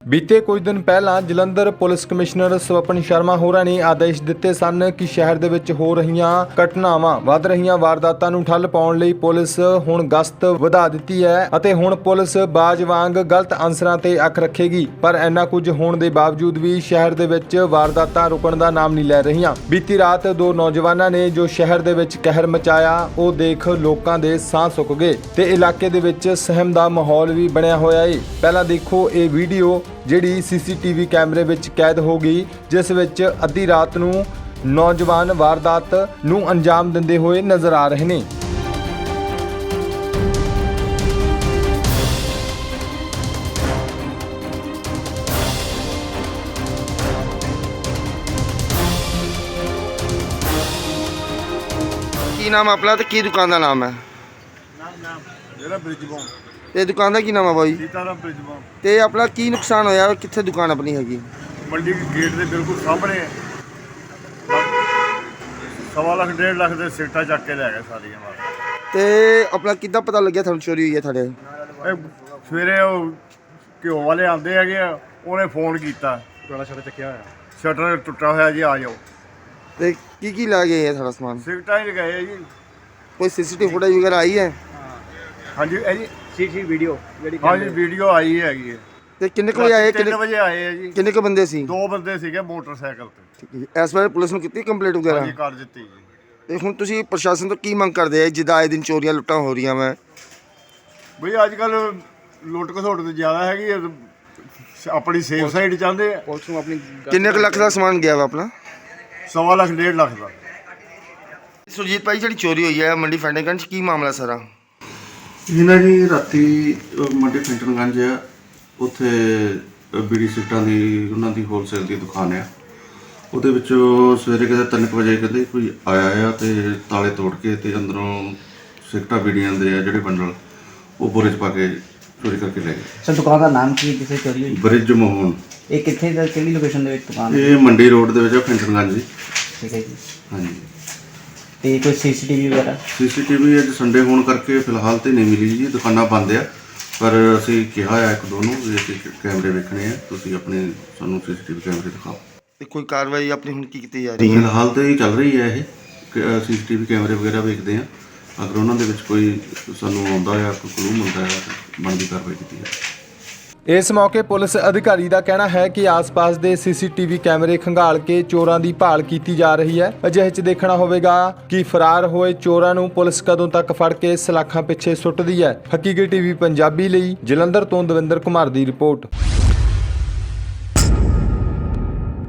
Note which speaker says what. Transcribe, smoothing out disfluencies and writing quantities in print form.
Speaker 1: बीते कुछ दिन पहला जलंधर पुलिस कमिश्नर स्वपन शर्मा होਰਾਂ ने आदेश दिते सन कि शहर ਦੇ ਵਿੱਚ ਹੋ ਰਹੀਆਂ ਘਟਨਾਵਾਂ ਵੱਧ ਰਹੀਆਂ ਵਾਰਦਾਤਾਂ ਨੂੰ ਠੱਲ ਪਾਉਣ ਲਈ ਪੁਲਿਸ ਹੁਣ ਗਸ਼ਤ ਵਧਾ ਦਿੱਤੀ ਹੈ ਅਤੇ ਹੁਣ ਪੁਲਿਸ ਬਾਜ ਵਾਂਗ ਗਲਤ ਅਨਸਰਾਂ ਤੇ ਅੱਖ ਰੱਖੇਗੀ। ਪਰ ਇੰਨਾ ਕੁਝ ਹੋਣ ਦੇ ਬਾਵਜੂਦ ਵੀ ਸ਼ਹਿਰ ਦੇ ਵਿੱਚ ਵਾਰਦਾਤਾਂ ਰੁਕਣ ਦਾ ਨਾਮ ਨਹੀਂ ਲੈ ਰਹੀਆਂ। ਬੀਤੀ ਰਾਤ ਦੋ ਨੌਜਵਾਨਾਂ ਨੇ ਜੋ ਸ਼ਹਿਰ ਦੇ ਵਿੱਚ ਕਹਿਰ ਮਚਾਇਆ ਉਹ ਦੇਖ ਲੋਕਾਂ ਦੇ ਸਾਹ ਸੁੱਕ ਗਏ ਤੇ ਇਲਾਕੇ ਦੇ ਵਿੱਚ ਸਹਿਮ ਦਾ ਮਾਹੌਲ ਵੀ ਬਣਿਆ ਹੋਇਆ ਹੈ। ਪਹਿਲਾਂ ਦੇਖੋ ਇਹ ਵੀਡੀਓ ਜਿਹੜੀ ਸੀਸੀਟੀਵੀ ਕੈਮਰੇ ਵਿੱਚ ਕੈਦ ਹੋ ਗਈ, ਜਿਸ ਵਿੱਚ ਅੱਧੀ ਰਾਤ ਨੂੰ ਨੌਜਵਾਨ ਵਾਰਦਾਤ ਨੂੰ ਅੰਜਾਮ ਦਿੰਦੇ ਹੋਏ ਨਜ਼ਰ ਆ ਰਹੇ ਨੇ।
Speaker 2: ਕੀ ਨਾਮ ਆਪਣਾ ਤੇ ਕੀ ਦੁਕਾਨ ਦਾ ਨਾਮ ਹੈ?
Speaker 3: ਮੇਰਾ ਬ੍ਰਿਜਬੋਂ
Speaker 2: ਤੇ ਦੁਕਾਨ ਦਾ ਕੀ ਨਾਮ ਹੈ ਬਾਈ?
Speaker 3: ਸੀਤਾਰਾਮ ਬ੍ਰਿਜਬੋਂ।
Speaker 2: ਤੇ ਆਪਣਾ ਕੀ ਨੁਕਸਾਨ ਹੋਇਆ? ਕਿੱਥੇ ਦੁਕਾਨ ਆਪਣੀ ਹੈਗੀ?
Speaker 3: ਮੰਡੀ ਗੇਟ ਦੇ ਬਿਲਕੁਲ ਸਾਹਮਣੇ ਹੈ। 1.5 ਲੱਖ 1.5 ਲੱਖ ਦੇ ਸਿੱਟਾ ਚੱਕ ਕੇ ਲੈ ਗਏ ਸਾਰੀਆਂ ਮਾਰ।
Speaker 2: ਤੇ ਆਪਣਾ ਕਿੱਦਾਂ ਪਤਾ ਲੱਗਿਆ ਤੁਹਾਨੂੰ ਚੋਰੀ ਹੋਈ ਹੈ ਤੁਹਾਡੇ?
Speaker 3: ਇਹ ਸਵੇਰੇ ਉਹ ਘਿਓ ਵਾਲੇ ਆਉਂਦੇ ਹੈਗੇ ਆ, ਉਹਨੇ ਫੋਨ ਕੀਤਾ, ਸ਼ਟਰ ਚੱਕਿਆ ਹੋਇਆ, ਸ਼ਟਰ ਟੁੱਟਾ ਹੋਇਆ ਜੀ, ਆ ਜਾਓ।
Speaker 2: ਤੇ ਕੀ ਲੈ ਗਏ ਹੈ ਤੁਹਾਡਾ ਸਮਾਨ?
Speaker 3: ਸਿੱਟਾ ਹੀ ਗਏ ਆ ਜੀ।
Speaker 2: ਕੋਈ ਸੀਸੀਟੀਵੀ ਫੁਟੇਜ ਵਗੈਰਾ ਆਈ ਹੈ?
Speaker 3: ਹਾਂਜੀ ਇਹ ਜੀ
Speaker 4: ਸੀਸੀ ਵੀਡੀਓ ਜਿਹੜੀ
Speaker 3: ਹਾਂਜੀ ਵੀਡੀਓ ਆਈ ਹੈਗੀ ਹੈ।
Speaker 2: ਤੇ ਕਿੰਨੇ ਕੁ ਵਜੇ ਆਏ?
Speaker 3: 3 ਵਜੇ ਆਏ ਆ ਜੀ।
Speaker 2: ਕਿੰਨੇ ਕੁ ਬੰਦੇ ਸੀ?
Speaker 3: 2 ਬੰਦੇ ਸੀਗੇ ਮੋਟਰਸਾਈਕਲ ਤੇ।
Speaker 2: ਠੀਕ ਹੈ ਜੀ। ਇਸ ਬਾਰੇ ਪੁਲਿਸ ਨੂੰ ਕੀਤੀ ਕੰਪਲੇਂਟ ਵਗੈਰਾ?
Speaker 3: ਹਾਂਜੀ ਕਰ ਦਿੱਤੀ ਜੀ।
Speaker 2: ਤੇ ਹੁਣ ਤੁਸੀਂ ਪ੍ਰਸ਼ਾਸਨ ਤੋਂ ਕੀ ਮੰਗ ਕਰਦੇ ਆ ਜਿੱਦਾਂ ਆਏ ਦਿਨ ਚੋਰੀਆਂ ਲੁੱਟਾਂ ਹੋ ਰਹੀਆਂ ਵਾ?
Speaker 3: ਬਈ ਅੱਜ ਕੱਲ ਲੁੱਟ ਖਸੁੱਟ ਤੇ ਜ਼ਿਆਦਾ ਹੈਗੀ ਹੈ, ਆਪਣੀ ਸੇਫ ਸਾਈਡ ਚਾਹੁੰਦੇ ਆ।
Speaker 4: ਪੁਲਿਸ ਨੂੰ ਆਪਣੀ
Speaker 2: ਕਿੰਨੇ ਕੁ ਲੱਖ ਦਾ ਸਮਾਨ ਗਿਆ ਵਾ ਆਪਣਾ?
Speaker 3: 1.5 ਲੱਖ 1.5 ਲੱਖ ਦਾ।
Speaker 2: ਸੁਰਜੀਤ ਭਾਈ ਜਿਹੜੀ ਚੋਰੀ ਹੋਈ ਹੈ ਮੰਡੀ ਫੈਂਡੇਗੰਜ, ਕੀ ਮਾਮਲਾ ਸਾਰਾ?
Speaker 5: ਇਹਨਾਂ ਜੀ ਰਾਤੀ ਮੰਡੀ ਫਿੰਟਨਗੰਜ ਆ, ਉੱਥੇ ਬੀੜੀ ਸਿਗਰਟਾਂ ਦੀ ਉਹਨਾਂ ਦੀ ਹੋਲਸੇਲ ਦੀ ਦੁਕਾਨ ਆ। ਉਹਦੇ ਵਿੱਚੋਂ ਸਵੇਰੇ ਕਹਿੰਦੇ 3 ਵਜੇ ਕਹਿੰਦੇ ਕੋਈ ਆਇਆ ਆ ਤੇ ਤਾਲੇ ਤੋੜ ਕੇ ਤੇ ਅੰਦਰੋਂ ਸਿਗਰਟਾਂ ਬੀੜੀਆਂ ਦੇ ਆ ਜਿਹੜੇ ਬੰਡਲ ਉਹ ਬੋਰੇ 'ਚ ਪਾ ਕੇ ਚੋਰੀ ਕਰਕੇ ਲੈ ਗਏ।
Speaker 4: ਸਰ ਦੁਕਾਨ ਦਾ ਨਾਮ ਕੀ ਹੈ ਜਿੱਥੇ ਚੋਰੀ ਹੋਈ?
Speaker 5: ਬ੍ਰਿਜ ਮੋਹਨ।
Speaker 4: ਇਹ ਕਿੱਥੇ ਦਾ, ਕਿਹੜੀ ਲੋਕੇਸ਼ਨ ਦੇ ਵਿੱਚ ਦੁਕਾਨ ਹੈ?
Speaker 5: ਇਹ ਮੰਡੀ ਰੋਡ ਦੇ ਵਿੱਚ ਆ, ਫਿੰਟਨਗੰਜ ਜੀ।
Speaker 4: ਠੀਕ ਹੈ ਜੀ।
Speaker 5: ਹਾਂਜੀ।
Speaker 4: ਤੇ ਕੋਈ ਸੀਸੀਟੀਵੀ ਵਗੈਰਾ?
Speaker 5: ਸੀਸੀਟੀਵੀ ਅੱਜ ਸੰਡੇ ਹੋਣ ਕਰਕੇ ਫਿਲਹਾਲ ਤੇ ਨਹੀਂ ਮਿਲੀ ਜੀ, ਦੁਕਾਨਾਂ ਬੰਦ ਆ। ਪਰ ਅਸੀਂ ਕਿਹਾ ਆ ਇੱਕ ਦੋ ਨੂੰ ਵੀ ਅਸੀਂ ਕੈਮਰੇ ਵੇਖਣੇ ਆ, ਤੁਸੀਂ ਆਪਣੇ ਸਾਨੂੰ ਸੀਸੀਟੀਵੀ ਕੈਮਰੇ ਦਿਖਾਓ।
Speaker 2: ਤੇ ਕੋਈ ਕਾਰਵਾਈ ਆਪਣੀ ਹੁਣ ਕੀ ਕੀਤੀ ਜਾ ਰਹੀ ਹੈ?
Speaker 5: ਫਿਲਹਾਲ ਤੇ ਇਹ ਚੱਲ ਰਹੀ ਹੈ, ਇਹ ਸੀਸੀਟੀਵੀ ਕੈਮਰੇ ਵਗੈਰਾ ਵੇਖਦੇ ਆ। ਅਗਰ ਉਹਨਾਂ ਦੇ ਵਿੱਚ ਕੋਈ ਸਾਨੂੰ ਆਉਂਦਾ ਆ, ਕੋਈ ਕਲੂ ਮਿਲਦਾ ਆ, ਬਣਦੀ ਕਾਰਵਾਈ ਕੀਤੀ ਜਾਵੇ।
Speaker 1: ਇਸ ਮੌਕੇ ਪੁਲਿਸ ਅਧਿਕਾਰੀ ਦਾ ਕਹਿਣਾ ਹੈ ਕਿ ਆਸ-ਪਾਸ ਦੇ ਸੀਸੀਟੀਵੀ ਕੈਮਰੇ ਖੰਗਾਲ ਕੇ ਚੋਰਾਂ ਦੀ ਭਾਲ ਕੀਤੀ ਜਾ ਰਹੀ ਹੈ। ਅਜਿਹੇ 'ਚ ਦੇਖਣਾ ਹੋਵੇਗਾ ਕਿ ਫਰਾਰ ਹੋਏ ਚੋਰਾਂ ਨੂੰ ਪੁਲਿਸ ਕਦੋਂ ਤੱਕ ਫੜ ਕੇ ਸਲਾਖਾਂ ਪਿੱਛੇ ਸੁੱਟਦੀ ਹੈ। ਹਕੀਕਤ ਟੀਵੀ ਪੰਜਾਬੀ ਲਈ ਜਲੰਧਰ ਤੋਂ ਦਵਿੰਦਰ ਕੁਮਾਰ ਦੀ ਰਿਪੋਰਟ।